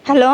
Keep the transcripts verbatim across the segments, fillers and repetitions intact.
Hello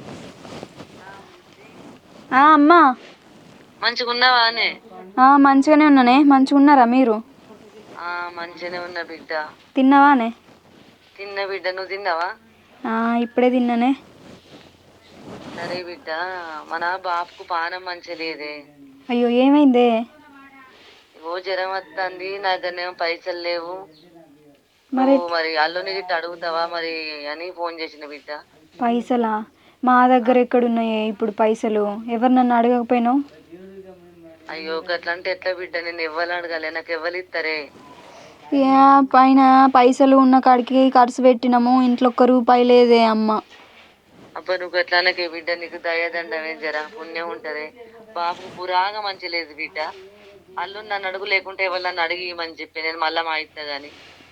అమ్మా, మంచిగా ఉన్నావానే? మంచిగానే ఉన్నానే. మంచిగా ఉన్నారా మీరు? మంచిగానే ఉన్నా బిడ్డ. తిన్నావానే? తిన్న బిడ్డ, నువ్వు తిన్నావా? ఇప్పుడే తిన్నానే. సరే బిడ్డ, మన బాపుకు పానం మంచిగా లేదే. అయ్యో, ఏమైందే? ఓ జ్వరం వస్తుంది, నా దగ్గరనేమో పైసలు లేవు. మరి నువ్వు మరి అల్లుని గిట్ట అడుగుతావా మరి అని ఫోన్ చేసిన బిడ్డ. పైసలా? మా దగ్గర ఎక్కడున్నాయే ఇప్పుడు పైసలు? ఎవరు నన్ను అడగకపోయినావు? అయ్యో గట్లా అంటే ఎట్లా బిడ్డ, నేను ఎవ్వరు అడగాలి, నాకు ఎవ్వరు ఇస్తారే? ఏ పైన పైసలు ఉన్న కాడికి ఖర్చు పెట్టినాము, ఇంట్లో ఒక్క రూపాయి లేదే అమ్మ. అబ్బా నువ్వు గట్లా అనకే బిడ్డ, నీకు దయాదండమే, జర పుణ్యం ఉంటది. బాబుకు పురాగా మంచి లేదు బిడ్డ. అల్లుని నన్ను అడుగు, లేకుంటే ఎవరు నన్ను అడిగి ఇవ్వమని చెప్పి నేను మళ్ళా మా ఇస్తా గాని.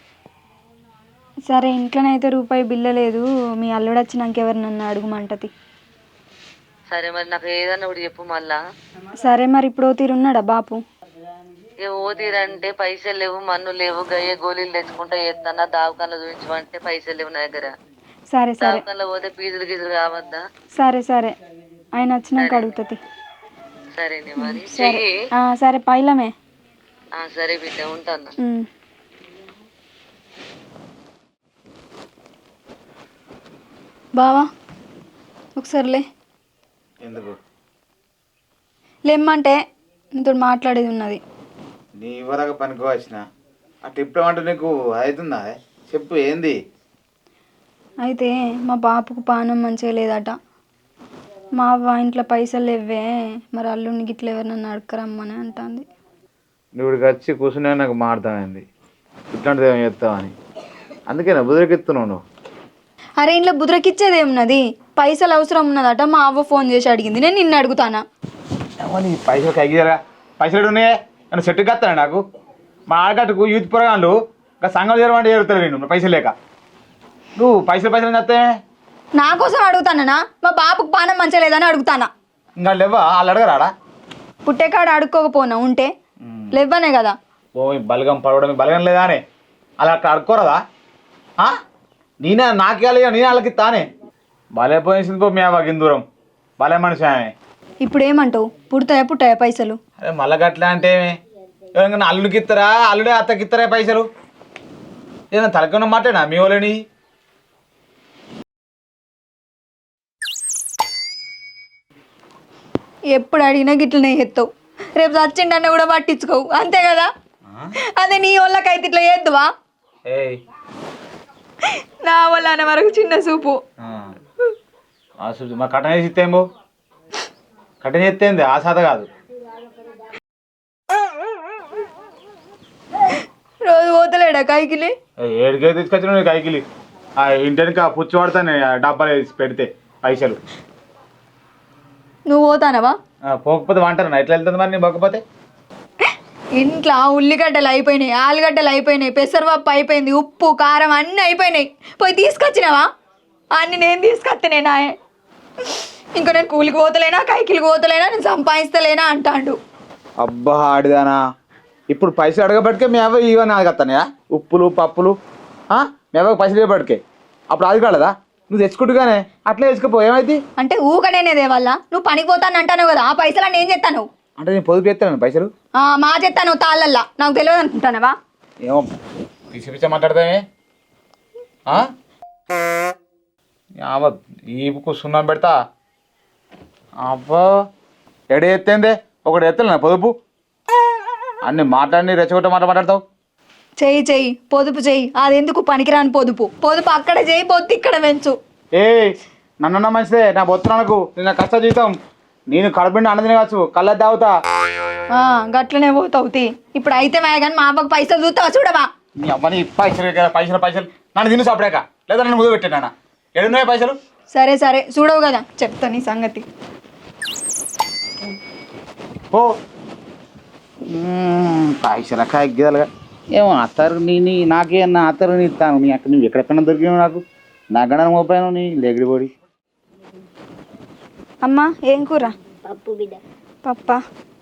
సరే, ఇంట్లోనైతే రూపాయి బిల్ల లేదు, మీ అల్లుడు వచ్చినాక ఎవరు నన్ను అడుగుమంటది. సరే మరి నాకు ఏదన్నా ఒకటి చెప్పు మళ్ళా. సరే, మరి ఇప్పుడు ఓ తీరున్నాడా బాపు? ఇక ఓ తీరంటే పైసలు లేవు, మన్ను లేవు, గయ్య గోళీలు తెచ్చుకుంటా చేస్తానా, దావకాన్లో చూపించమంటే పైసలు లేవు నా దగ్గర. సరే సరే దావకాన్లో పోతే ఫీజులు గీజులు కావద్దా? సరే సరే ఆయన వచ్చినాక అడుగుతుంది. సరేనే మరి సరే. చెయ్యి. సరే పైలమే. సరే బిడ్డ, ఉంటాను. బావా ఒకసారిలే. ఎందుకు లేమ్మంటే నీతో మాట్లాడేది ఉన్నది. నీ ఇవ్వరాక పనికి వచ్చిన ఆ టిప్ ఏమంటే నీకు అవుతుందా? చెప్పు ఏంది? అయితే మా బాపుకు పానం మంచిగా లేదట. మా అవ్వ ఇంట్లో పైసలు లేవే, మరి అల్లుడికి ఇట్లా ఎవరు నన్ను అడగరమ్మని అంటుంది. నువ్వు వచ్చి కూర్చునే నాకు మారుతామైంది, ఇట్లాంటిది ఏమి చేస్తావని. అందుకేనా బుదిరికిస్తున్నావు నువ్వు? అరే ఇంట్లో బుద్రకిచ్చేది ఏమున్నది? పైసలు అవసరం ఉన్నదట, మా అవ్వ ఫోన్ చేసి అడిగింది, నేను నిన్ను అడుగుతానా? పైసలు కైగిరా, పైసలు ఉన్నాయే నన్ను సెట్టు కత్తాను. నాకు మా ఆడగట్టుకు యూత్ పురగాళ్ళు ఇంకా సంఘం చేరమంటే చేరుతారు. నేను పైసలు లేక నువ్వు పైసలు పైసలు చేస్తే నా కోసం అడుగుతానా? మా బాపుకు పానం మంచిగా లేదని అడుగుతానా? ఇంకా లేవా? వాళ్ళు అడగరాడా? పుట్టేకాడ అడుక్కోకపోనా, ఉంటే లేవనే కదా. ఓ బలగం పడవడం బలగం లేదా అని అలా అక్కడ అడుక్కోరదా? నేనే నాకేయాలి, నేనే వాళ్ళకి తానే భలే పోయేసింది పో. మేము మాకు దూరం భలే మనిషి ఆమె. ఇప్పుడు ఏమంటావు? పుడతాయా పుట్టాయా పైసలు? అదే మళ్ళా గట్లా అంటే ఎవరికైనా అల్లుడికి ఇస్తారా, అల్లుడే అత్తకి ఇస్తారా పైసలు? ఏదైనా తలకన్న మాటేనా మీ వాళ్ళని? ఎప్పుడు అడిగినా గిట్లనే ఎత్తావు, రేపు చచ్చిండన్న కూడా పట్టించుకోవు, అంతే కదా. అదే నీ వాళ్ళకైతే ఇట్లా చేద్దువా? నా వాళ్ళ అనే వరకు చిన్న చూపు. మా కట్టన చేసి ఇస్తేమో కట్టన చేస్తేంది ఆ సాధ కాదు. రోజు పోతలేడా కైకిలి? ఏడికే తీసుకొచ్చిన కైకిలి ఆ ఇంటికి ఆ పుచ్చి పడతాను డబ్బాలు వేసి పెడితే పైసలు. నువ్వు పోతానవా? పోకపోతే వంటారా? ఎట్లా వెళ్తుంది మరి నీ పోకపోతే? ఇంట్లో ఉల్లిగడ్డలు అయిపోయినాయి, ఆలుగడ్డలు అయిపోయినాయి, పెసరపప్పు అయిపోయింది, ఉప్పు కారం అన్నీ అయిపోయినాయి. పోయి తీసుకొచ్చినావా? అన్నీ నేను తీసుకొస్తేనేనా? ఇంకా నేను కూలికి పోతలేనా, కైకిలికి పోతలేనా, నేను సంపాదిస్తలేనా అంటాడు. అబ్బా ఆడిదానా, ఇప్పుడు పైసలు అడగబట్టుకే మేవ ఇవన్నీ అడగస్తానయా? ఉప్పులు పప్పులు మేవ పైసలు ఇవ్వబట్టుకే అప్పుడు అది కాలేదా? నువ్వు తెచ్చుకుంటుగానే అట్లే తెచ్చుకోపో, ఏమైంది? అంటే ఊకనేదే వల్ల నువ్వు పనికి పోతాను అంటాను కదా, ఆ పైసలు నేను చేస్తాను. అంటే నేను పొదుపు చేస్తాను పైసలు మా చేస్తాను తాళ్ళల్లా, నాకు తెలియదు అనుకుంటానవా? ఏమో పిచ్చి పిచ్చ మాట్లాడతామే. ఈపుకు సున్నం పెడతా. అబ్బా ఎడ ఎత్తేందే ఒకటి ఎత్తలే పొదుపు, అన్ని మాట్లాడి రెచ్చగొట్ట మాట మాట్లాడతావు. చెయ్యి చెయ్యి పొదుపు చెయ్యి, అది ఎందుకు పనికిరాని పొదుపు. పొదుపు అక్కడ చెయ్యి, పొద్దు ఇక్కడ పెంచు. ఏ నన్నన్నా మంచిదే, నా బొత్తునకు నిన్న కష్ట జీవితం, నేను కడుపుండి అన్నది కావచ్చు, కళ్ళ తాగుతా. గట్లనే పోతావు తీ. ఇప్పుడు అయితే మా కానీ మా అబ్బకు పైసలు చూస్తావా? చూడవా? నీ అమ్మని పైసలు పైసలు పైసలు నన్ను తిను సాపడాక, లేదా నన్ను ముద్దు పెట్టానా? ఎడున్నాయి పైసలు? సరే సరే చూడవు కదా, చెప్తా నీ సంగతి. ఓ పైసలు కాగిదాలుగా ఏమో అత్తరు నీ నీ నాకే నా అత్తరు నీ ఇస్తాను. నీ అక్కడ నువ్వు ఎక్కడెక్కడ దొరికినావు నాకు, నా గణ మోపాను నీ లేగిడి పొడి. అమ్మా ఏం కూర? పప్పు బిడ్డ. పప్పా?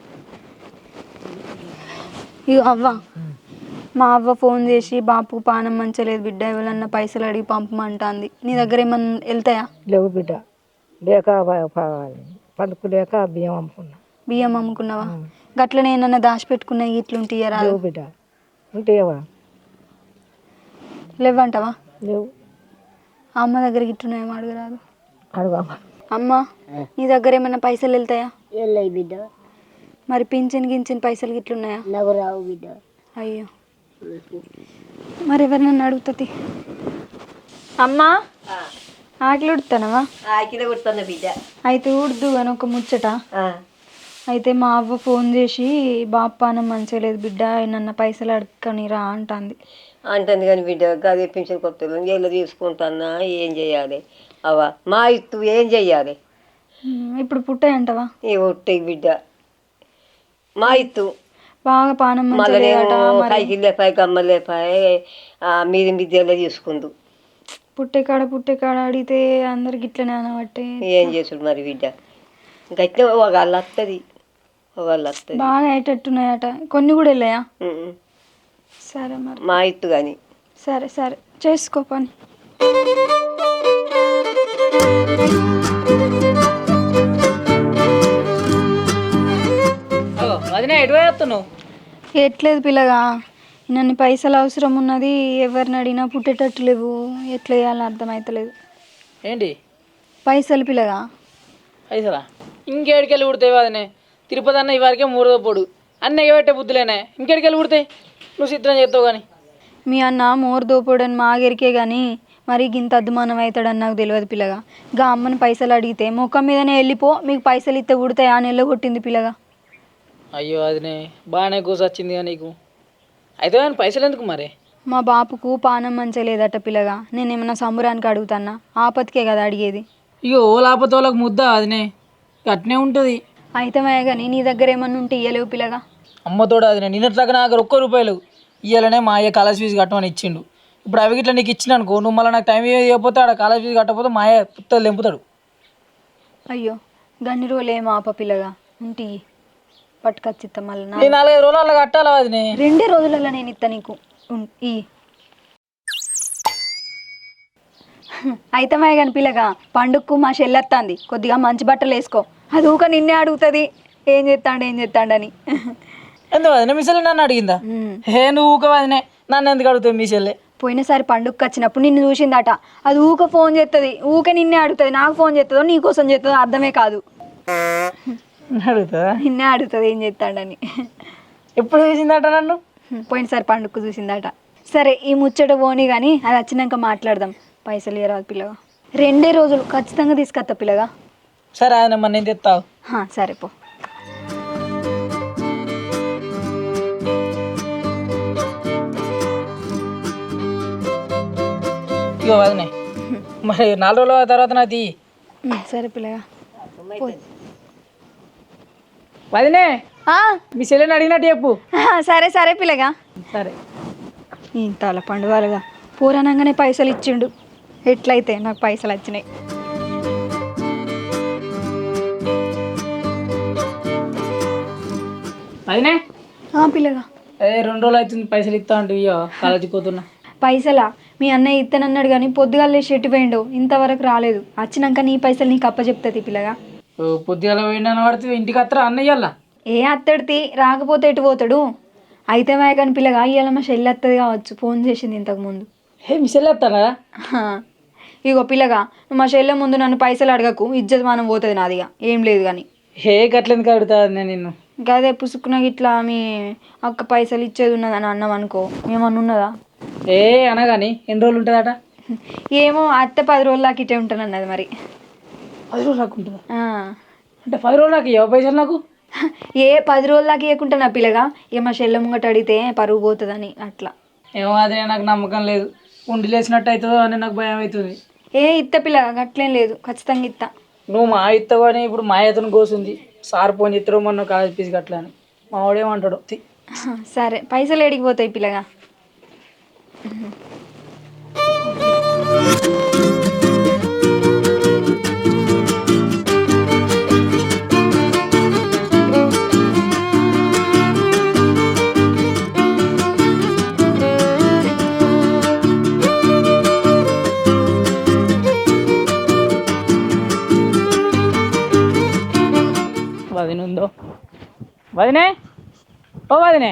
ఇగో అవ్వ, మా అవ్వ ఫోన్ చేసి బాపు పానం మంచలేదు బిడ్డ, ఎవరన్నా పైసలు అడిగి పంపమంటుంది. నీ దగ్గర ఏమన్నా వెళ్తాయా? లేవు బిడ్డ. లేక పండుకు లేక బియ్యం అమ్ముకున్నా. బియ్యం అమ్ముకున్నావా? గట్లనే ఏమన్నా దాచిపెట్టుకున్నా ఇట్లుంటాయా? లేవు బిడ్డ, ఉంటాయవా? లేవంటావా? లేవు. అమ్మ దగ్గర గిట్టున్నాయేమో అడగరాదు. అడుగు అమ్మ, నీ దగ్గర ఏమన్నా పైసలు వెళ్తాయా? వెళ్ళాయి బిడ్డ. మరి పింఛన్ గించిన పైసలు గిట్లున్నాయా? నాకు రావు బిడ్డ. అయ్యో, మరి ఎవరినన్నా అడుగుతుంది. అమ్మా, ఆకలి ఉడుతానవా? ఆకిలే కొడుతున్నా బిడ్డ. అయితే ఉడుదు అని ఒక ముచ్చట. అయితే మా అవ్వ ఫోన్ చేసి బాపానం మంచిగా లేదు బిడ్డ, నన్న పైసలు అడగని రా అంటుంది. అంటుంది కానీ బిడ్డ గదే పింఛన్ కొత్తలు ఎలా తీసుకుంటున్నా, ఏం చెయ్యాలి అవా? మా ఇత్తు ఏం చెయ్యాలి ఇప్పుడు పుట్టాయంటవా? ఏ ఒట్టే బిడ్డ, మా ఇత్తు బాగా పానం మళ్ళీ పైకి లేపాయి గమ్మ లేపాయి మీది మీది ఎలా తీసుకుందు. పుట్టే కాడ పుట్టే కాడ అడిగితే అందరికి ఇట్లనే అనబట్టే ఏం చేసుడు మరి బిడ్డ, గట్టిన ఒకళ్ళు వస్తుంది ఒకళ్ళు వస్తుంది. బాగా అయ్యేటట్టున్నాయట, కొన్ని కూడా వెళ్ళాయా? సరే మరి మా ఇత్తు కానీ. సరే సరే చేసుకో పని. ఎట్లేదు పిల్లగా, నన్ను పైసలు అవసరం ఉన్నది, ఎవరిని అడిగినా పుట్టేటట్టు లేవు, ఎట్లా చేయాలని అర్థమవుతలేదు. ఏంటి పైసలు పిల్లగా? పైసలా? ఇంకేడికెళ్ళి పుడతాయి అదనే? తిరుపతి అన్న ఇవరకే మూడో పొడు అన్న ఎగబెట్టే బుద్ధులేనే, ఇంకేడికెళ్ళి పుడతాయి? నువ్వు చిత్రం చేస్తావు కానీ. మీ అన్న మోరు దోపోడని మాగరికే కానీ మరి గింత అద్దుమానం అవుతాడని నాకు తెలియదు పిల్లగా. గా అమ్మని పైసలు అడిగితే ముఖం మీదనే వెళ్ళిపో, మీకు పైసలు ఇస్తే పుడతాయా అని వెళ్ళగొట్టింది పిల్లగా. అయ్యో అదినే బాగానే కూసొచ్చింది కానీ నీకు. అయితే కానీ పైసలు ఎందుకు మరి? మా బాపుకు పానం మంచిగా లేదట పిల్లగా, నేనేమన్నా సంబరానికి అడుగుతానా? ఆపత్తికే కదా అడిగేది. ఇక ఓ లాపతో వాళ్ళకి ముద్ద అదినే అట్నే ఉంటుంది. అయితే కానీ నీ దగ్గర ఏమన్నా ఉంటే ఇయ్యలేవు పిల్లగా? అమ్మతోడు అదినే నిన్నట్లాగా నా దగ్గర ఒక్క రూపాయలు ఇయ్యాలనే మా అయ్య కాలేజ్ ఫీజు కట్టమని ఇచ్చిండు. ఇప్పుడు అవి ఇట్లా నీకు ఇచ్చిన అనుకో, నువ్వు మళ్ళీ నాకు టైం ఇవ్వకపోతే ఆడ కాలేజ్ ఫీజు కట్టకపోతే మా అయ్య పుత్తలు తెంపుతాడు. అయ్యో, గన్ని రోజులు ఏమో ఆప పిల్లగా, ఉంటి పట్టుకొచ్చిత్తా మళ్ళీ. నేను నాలుగైదు రోజులు అలా కట్టాలా అదినే? రెండే రోజులలో నేను ఇస్తా నీకు ఈ. అయితే కానీ పిల్లగా, పండుగకు మా చెల్లెత్తాంది, కొద్దిగా మంచి బట్టలు వేసుకో. అది ఊక నిన్నే అడుగుతుంది ఏం చేస్తాడు ఏం చేస్తాడని. ఎందుకు అదినే మీ చెల్లి నన్ను అడిగిందా? హే నువ్వు ఊక అదినే నన్ను ఎందుకు అడుగుతావు మీ చెల్లె? పోయినసారి పండుగకి వచ్చినప్పుడు నిన్ను చూసిందట, అది ఊక ఫోన్ చేస్తుంది, ఊక నిన్నే అడుగుతుంది. నాకు ఫోన్ చేస్తుందో నీకోసం చేస్తుందో అర్థమే కాదు. అడుగుతా నిన్నే అడుగుతుంది ఏం చేస్తాడని. ఎప్పుడు చూసిందట నన్ను? పోయినసారి పండుగకు చూసిందట. సరే ఈ ముచ్చట పోనీ కానీ అది వచ్చినాక మాట్లాడదాం. పైసలు ఇవ్వరాదు పిల్లగా, రెండే రోజులు ఖచ్చితంగా తీసుకొస్తా పిల్లగా. సరే ఆయన మన నేను తెస్తావు. సరే పో. ఇగో వదినే, మరి నాలుగు రోజుల తర్వాత నాకు తీ. సరే పిల్లగా. వదినే, మీ చెల్లెని అడిగినట్టు చెప్పు. సరే సరే పిల్లగా. సరే. ఇంతల పండుగలుగా పూరణంగానే పైసలు ఇచ్చిండు, ఎట్లయితే నాకు పైసలు వచ్చినాయి. వదినే పిల్లగా, అదే రెండు రోజులు అవుతుంది పైసలు ఇస్తా అంటే ఇయ్యో కాలేజీకి పోతున్నా. పైసలా? మీ అన్నయ్య ఇత్తనన్నాడు కానీ పొద్దుగాలే షెట్టు పోయిండు, ఇంతవరకు రాలేదు. వచ్చినాక నీ పైసలు నీకు అప్ప చెప్తుంది పిల్లగా. పొద్దుగాల పోయిండని పడితే ఇంటికి వస్తారా అన్నయ్యల్లా? ఏ అత్తడితి, రాకపోతే ఎటు పోతాడు? అయితే మాయ కానీ పిల్లగా ఇవాళ మా చెల్లి వస్తుంది కావచ్చు, ఫోన్ చేసింది ఇంతకుముందు. ఏ మీ చెల్లి వస్తారా? ఇగో పిల్లగా, నువ్వు మా చెల్లె ముందు నన్ను పైసలు అడగకు, ఇజ్జత్ మనం పోతుంది నాదిగా. ఏం లేదు కానీ ఏ గట్లెందుకు అడుగుతా నేను నిన్ను? గదే పుసుకున్న ఇట్లా మీ అక్క పైసలు ఇచ్చేది ఉన్నదని అన్నాం అనుకో, ఏమన్నా ఉన్నదా? ఏ అనగాని ఎన్ని రోజులు ఉంటుందట? ఏమో అత్తే పది రోజులు దాకా ఇటే ఉంటాను అన్నది. మరి పది రోజులు దాకా ఉంటుందా? అంటే పది రోజులు దాకా ఇవ్వ పైసలు నాకు? ఏ పది రోజుల దాకా ఇవ్వకుంటున్నా పిల్లగా, ఇక మా చెల్లె ముంగట అడిగితే పరుగు పోతుందని అట్లా. ఏమో అదే నాకు నమ్మకం లేదు, ఉండి లేచినట్టు అవుతుందో అని నాకు భయం అవుతుంది. ఏ ఇత్త పిల్లగా, గట్లేం లేదు, ఖచ్చితంగా ఇత్తా. నువ్వు మా ఇస్తావు అని ఇప్పుడు మా అతను కోసింది, సార్ ఫోన్ చేస్తారో మొన్న కాలేజ్ ఫీజు కట్టలే అని. మా వాడేమంటాడు? సరే పైసలు ఏడికి పోతాయి పిల్లగా? వదినే ఓ వదినే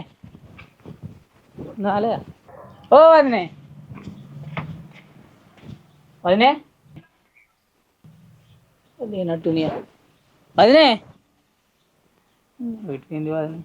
నాలే ఓ వదినే వదినే లేనట్టు వదినే పెట్టింది వదినే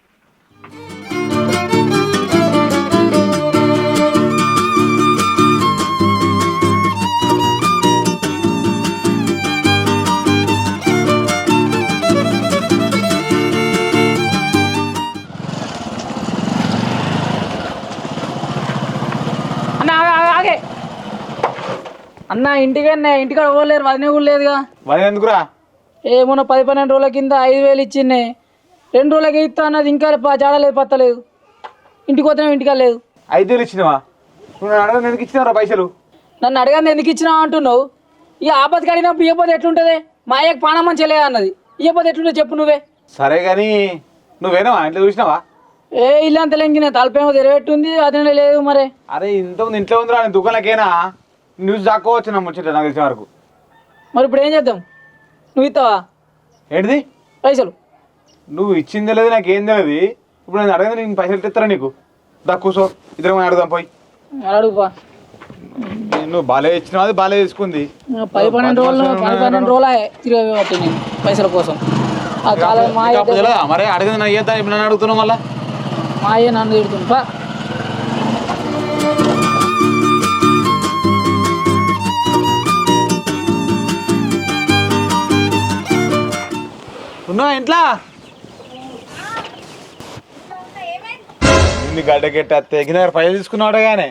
అన్న ఆగే అన్న ఇంటికన్నా ఇంటికాడ పోలేరు వదిన కూడా లేదుగా వదిన ఎందుకురా? ఏమన్నా పది పన్నెండు రోజుల కింద ఐదు వేలు ఇచ్చిండే రెండు రోజులకి ఇస్తా అన్నది ఇంకా జాడలేదు పత్తలేదు ఇంటికి పోతే ఇంటికా లేదు. ఐదు వేలు ఇచ్చినవా? నువ్వు నన్ను అడగ ఎందుకు ఇచ్చినారా పైసలు? నన్ను అడగంది ఎందుకు ఇచ్చినావు అంటున్నావు. ఇక ఆపత్తి అడిగినప్పుడు ఇవ్వకపోతే ఎట్లుంటుంది? మా అయ్యకి పానం మంచిగా లేదు అన్నది, ఇవ్వకపోతే ఎట్లుంటుంది చెప్పు నువ్వే. సరే కానీ నువ్వేనావా ఇంట్లో చూసినావా? ఏ ఇల్లు అంత లెంకిన తలపేమో తెరవెట్టుంది అదే లేదు మరి. అరే ఇంతకుముందు ఇంట్లో ఉందిరా నేను దుకాణానికేనా న్యూస్ దాక్కోవచ్చు నా ముచ్చట నాకు తెలిసిన వరకు. మరి ఇప్పుడు ఏం చేద్దాం? నువ్వు ఇస్తావా ఏంటిది పైసలు? నువ్వు ఇచ్చింది లేదు నాకు ఏం తెలియదు. ఇప్పుడు నేను అడగదు నేను పైసలు ఇస్తారా నీకు? దా కూర్చో ఇద్దరం అడుగుదాం పోయి. అడుగుపా. నువ్వు బాలే ఇచ్చినావు, అది బాలే తీసుకుంది. పది పన్నెండు రోజులు పది పన్నెండు రోజులు తిరిగి పట్టి నేను పైసల కోసం. ఆ కాలం మా మరి అడగదు నాకు ఏదా ఇప్పుడు నన్ను అడుగుతున్నావు మళ్ళా? మా అయ్య నన్ను తిడుతుంది పా. ఉన్నావా ఇంట్లో? ఇన్ని గడ్డకెట్టి తెగిన పైసలు తీసుకున్నాడు కానీ.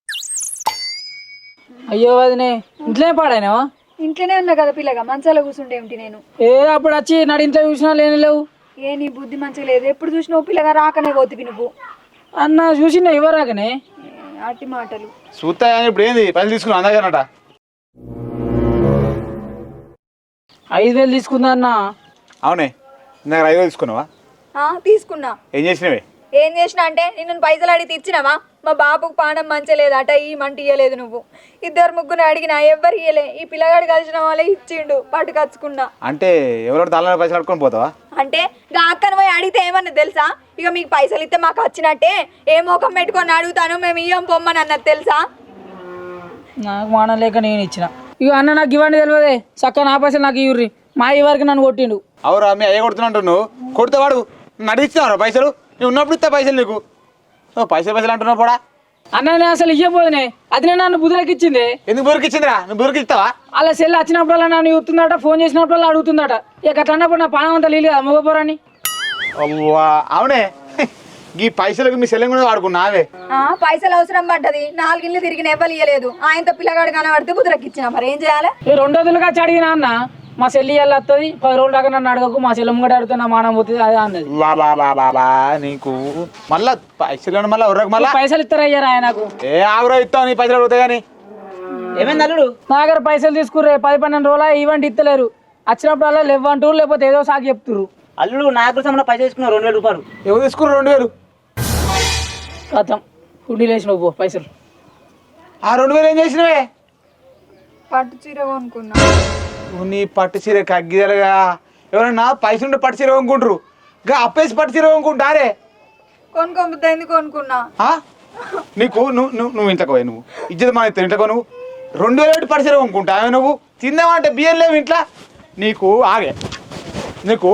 అయ్యో వదినే ఇంట్లోనే పాడాయినావా? ఇంట్లోనే ఉన్నా కదా పిల్లగా, మంచాల కూర్చుంటే ఏమిటి నేను? ఏ అప్పుడు వచ్చి నడి ఇంట్లో చూసినా లేని లేవు. ఏ నీ బుద్ధి మంచిగా లేదు, ఎప్పుడు చూసినావు పిల్లగా రాకనే పోతివి నువ్వు. అన్న చూసిన ఇవ్వరాకనే అట్టి మాటలు. చూస్తా ఇప్పుడు ఏంది పైసలు తీసుకున్నావు అందగానట? ఐదు వేలు తీసుకుందా అన్న? అవునే నాకు ఐదు వేలు తీసుకున్నావా? తీసుకున్నా. ఏం చేసినవే? ఏం చేసినా అంటే నిన్ను పైసలు అడిగి ఇచ్చినావా? మా బాబుకు పానం మంచిగా లేదట, ఈ మంట ఇయ్యలేదు నువ్వు. ఇద్దరు ముగ్గురు అడిగినా ఎవ్వరు ఇయ్యలే, ఈ పిల్లగాడు కలిసిన వాళ్ళే ఇచ్చిండు పట్టుకచ్చుకున్నా. అంటే ఎవరో తల పైసలు అడుకొని పోతావా? అంటే గా అక్కను పోయి అడిగితే ఏమన్నా తెలుసా? ఇక మీకు పైసలు ఇస్తే మాకు వచ్చినట్టే, ఏ ముఖం పెట్టుకొని అడుగుతాను మేము ఇయ్యం పొమ్మని అన్నది తెలుసా? నాకు మానం లేక నేను ఇచ్చిన. ఇక అన్న నాకు ఇవ్వండి తెలియదే, చక్క నా పైసలు నాకు ఇవ్వరి. మా ఈ వరకు నన్ను కొట్టిండు. అవురా మీ అయ్య కొడుతున్నట్టు నువ్వు కొడితే వాడు నడిచినావురా పైసలు? నువ్వు ఉన్నప్పుడు ఇస్తా పైసలు నీకు. పైసలు పైసలు అంటున్నావు కూడా. అన్న నేను అసలు ఇవ్వబోదునే, అది నేను నన్ను బుద్ధులకి ఇచ్చింది. ఎందుకు బురికి ఇచ్చిందిరా? నువ్వు బురికి ఇస్తావా? అలా సెల్ వచ్చినప్పుడల్లా నన్ను ఇస్తుందట, ఫోన్ చేసినప్పుడల్లా అడుగుతుందట. ఇక అట్లా అన్నప్పుడు నా పానం అంతా లేదు కదా మగపోరాని. అవునే ఈ పైసలకు మీ సెల్లం కూడా వాడుకున్నావే. పైసలు అవసరం పడ్డది, నాలుగిళ్ళు తిరిగిన ఎవ్వరు ఇయ్యలేదు. ఆయనతో పిల్లగాడు కనబడితే బుద్ధులకి ఇచ్చిన, మరి ఏం చేయాలి? రెండు రోజులుగా అడిగినా అన్న మా సెల్లి ఇయ్యాలి వస్తుంది, పది రోజుల దాకా నన్ను అడగకు, మా సెల్లం కూడా అడిగితే నా మానం పోతుంది అదే అన్నది. నీకు మళ్ళా పైసలు మళ్ళీ ఎవరికి మళ్ళీ పైసలు ఇస్తారా అయ్యారా ఆయనకు? ఏ ఆగురో ఇస్తావు నీ పైసలు అడుగుతాయి కానీ. ఏమైంది అల్లుడు? నా దగ్గర పైసలు తీసుకుర్రే పది పన్నెండు రోజులు ఈవెంట్ ఇస్తలేరు. వచ్చినప్పుడల్లా లేవంటూ లేకపోతే ఏదో సాగు చెప్తురు. అల్లుడు నాకు సంబంధం పైసలు తీసుకున్నా రెండు వేల రూపాయలు. ఎవరు తీసుకున్నారు రెండు వేలు? కథం కుడ్డీ లేచినావు పో పైసలు. ఆ రెండు వేలు ఏం చేసినవే? పట్టు చీర కొనుక్కున్నా. నీ పట్టు చీర కగ్గిదలుగా ఎవరన్నా పైసలు ఉంటే పట్టు చీర కొనుక్కుంటారు, ఇంకా అప్పేసి పట్టు చీర కొనుక్కుంటారే. కొనుక్కోబుద్ది కొనుక్కున్నా. నీకు నువ్వు నువ్వు నువ్వు ఇంట్లోకి పోయి నువ్వు ఇజ్జత మన ఇంట్లో నువ్వు రెండు వేలు పెట్టి పట్టు చీర కొనుక్కుంటావే నువ్వు. తిందామంటే బియ్యం లేవు ఇంట్లో నీకు. ఆగే నీకు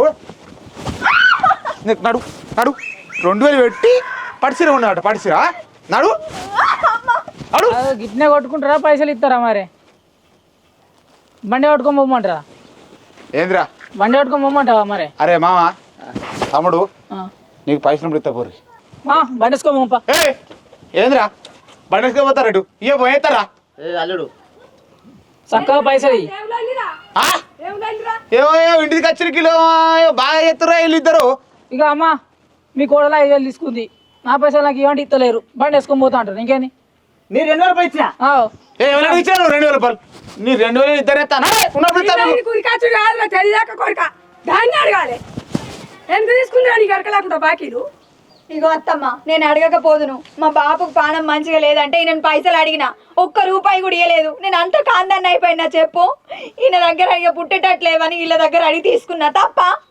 నీకు నడు నడు రెండు వేలు పెట్టి పట్టు చీర కొన్నాట పట్టు చీర నడు నడు. గిట్నే కొట్టుకుంటారా పైసలు ఇస్తారా? మరి బండి పట్టుకొని పోమంటారా? ఏందిరా బండి పట్టుకొని పోమంటావా మరి? అరే మామ తమ్ముడు నీకు పైసలు ఇస్తా పోరి. బండి వేసుకో పంప. ఏ ఏందిరా బండి వేసుకోపోతారు ఇటు ఇయ్య పోయేస్తారా? అల్లుడు చక్కగా పైసలు ఏమో ఇంటికి వచ్చిన కిలో బాగా చేస్తారా వీళ్ళు ఇద్దరు. ఇక అమ్మ మీ కోడలు ఐదు వేలు తీసుకుంది, నా పైసలు నాకు ఇవ్వండి ఇస్తలేరు, బండి వేసుకొని పోతా అంటారు. ఇంకేంది? నేను రెండు వేల రూపాయలు ఇచ్చిన. ఎవరు ఇచ్చాను రెండు వేల రూపాయలు? నీ రెండు వేలు ఇద్దరు ఎత్తానా? దాన్ని అడగాలి ఎందుకు తీసుకున్నా నీకు అడగలేకుండా బాకీలు. ఇగో అత్తమ్మ నేను అడగకపోదును, మా బాబుకు పానం మంచిగా లేదంటే ఈయన పైసలు అడిగినా ఒక్క రూపాయి కూడా ఇవ్వలేదు. నేను అంత కాందాన్ని అయిపోయినా చెప్పు. ఈయన దగ్గర అడిగ పుట్టేటట్లేవని వీళ్ళ దగ్గర అడిగి తీసుకున్నా తప్ప.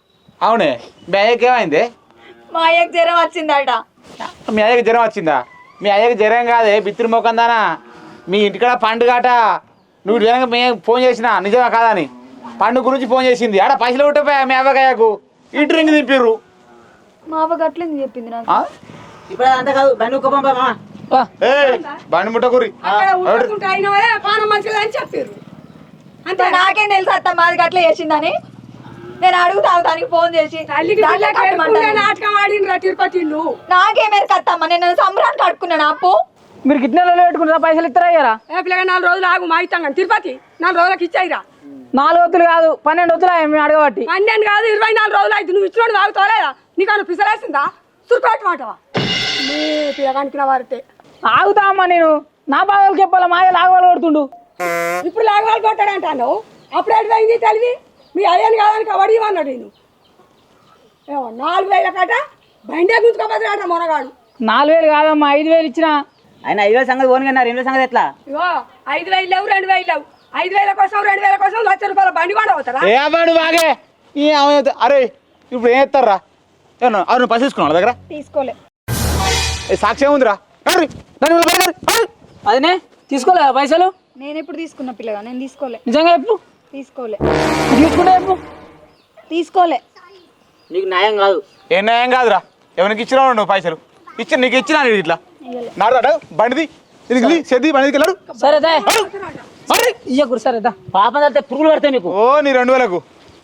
అవునే మీ అయ్యకి ఏమైంది? మా అయ్యకి జ్వరం వచ్చిందట. మీ అయ్యకి జ్వరం వచ్చిందా? మీ అయ్యకి జ్వరం కాదే బిత్తిరి మొక్కందానా. మీ ఇంటికాడ పండుగట. నువ్వు జ్వరంగా మేము ఫోన్ చేసినా నిజమా కాదని పండుగ గురించి ఫోన్ చేసింది. ఆడ పైసలు కొట్టపోయా మీ అవ్వకాయకు ఇంటి రింగ్ దింపిర్రు. మా అవ్వ గట్లేంది చెప్పింది నాకు. ఆ? ఇప్పుడు అంతా కాదు బండి ఒక్క పంపమా వా. ఏయ్, బండి ముట్టకురి. అక్కడ ఊరుకుంటే అయిన పానం మంచిగా అని చెప్పారు. అంతే నాకేం తెలుసు అత్త మాది గట్ల చేసిందని. నేను అడుగుతాను దానికి ఫోన్ చేసి. తల్లికి దాంట్లో పిల్లకి కట్టమంటాను. ఎరుకుంటే నాటకం ఆడినరా తిరుపతిళ్ళు. నాకేమేరు కత్తమ్మ, నేను సంబరానికి కట్టుకున్నాను అప్పు. మీరు గిట్నెలలో పెట్టుకుంటారా? పైసలు ఇస్తారా అయ్యారా? ఏ పిల్లగా నాలుగు రోజులు ఆగు మా ఇస్తాం కానీ తిరుపతి నాలుగు రోజులకి ఇచ్చాయిరా. నాలుగు వద్దులు కాదు పన్నెండు వద్దులు మేము అడగబట్టి. పన్నెండు కాదు ఇరవై నాలుగు రోజులు అయితే నువ్వు ఇచ్చినోడు ఆగుతావులేదా? నీకన్నా పిసలేసిందా? సురిపెట్టమాటవా నీ పిల్లగానికి నా వారితే ఆగుతా అమ్మా, నేను నా బాధలు చెప్పాలా? మాయ లాగవాళ్ళు కొడుతుండు. ఇప్పుడు లాగవాళ్ళు కొట్టాడంటాను. అప్పుడు ఎటు పోయింది తెలివి? మీ అయ్యని కాదని కబడ్డీ అన్నాడు నేను. ఏమో నాలుగు వేల కట బండే గుంజుకోపోతాడట మొనగాడు. నాలుగు వేలు కాదమ్మా, ఐదు వేలు ఇచ్చిన. ఆయన ఐదు వేల సంగతి పోను కన్నా రెండు వేల సంగతి ఎట్లా? ఇగో ఐదు వేలు లేవు రెండు వేలు లేవు. ఐదు వేల కోసం రెండు వేల కోసం లక్ష రూపాయల బండి కూడా అవుతారా? ఏ అబ్బాడు బాగే ఈ ఆమె- అరే ఇప్పుడు ఏం ఎత్తారా? ఏమన్నా అవును పైసలు తీసుకున్నావు దగ్గర? తీసుకోలే. ఏ సాక్ష్యం ఉందిరా? నడురి, నడు, నడు, నడు, నడు. అదినే తీసుకోలే పైసలు? నేను ఎప్పుడు తీసుకున్నా పిల్లగా? నేను తీసుకోలే. నిజంగా చెప్పు. తీసుకోలే. తీసుకుంటే చెప్పు. తీసుకోలే. నీకు న్యాయం కాదు. ఏ న్యాయం కాదురా. ఎవరికి ఇచ్చినావు నువ్వు పైసలు? ఇచ్చి నీకు ఇచ్చినా నేను ఇట్లా నాడు బండిది ఇది సెద్ది బండికి వెళ్ళాడు. సరే దా. ఇయ్యకురు సరే దా. పాపం తడితే పురుగులు పడతాయి మీకు. ఓ నీ రెండు వేలకు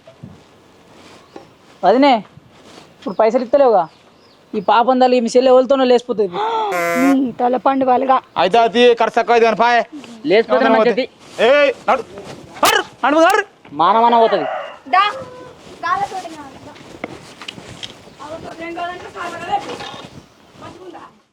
అదినే ఇప్పుడు పైసలు ఇస్తలేవుగా. ఈ పాపం తల్లి మీ చెల్లె ఎవరితోనో లేచిపోతుంది. నీ తల పండు వాళ్ళగా. అయితే అది ఖర్చు తక్కువ అయితే కానీ పాయే లేచిపోతే మంచిది. ఏ నడు నడు నడు నడు మానమాన పోతుంది. దా గాలతోటి కావాలి. ఏం కావాలంటే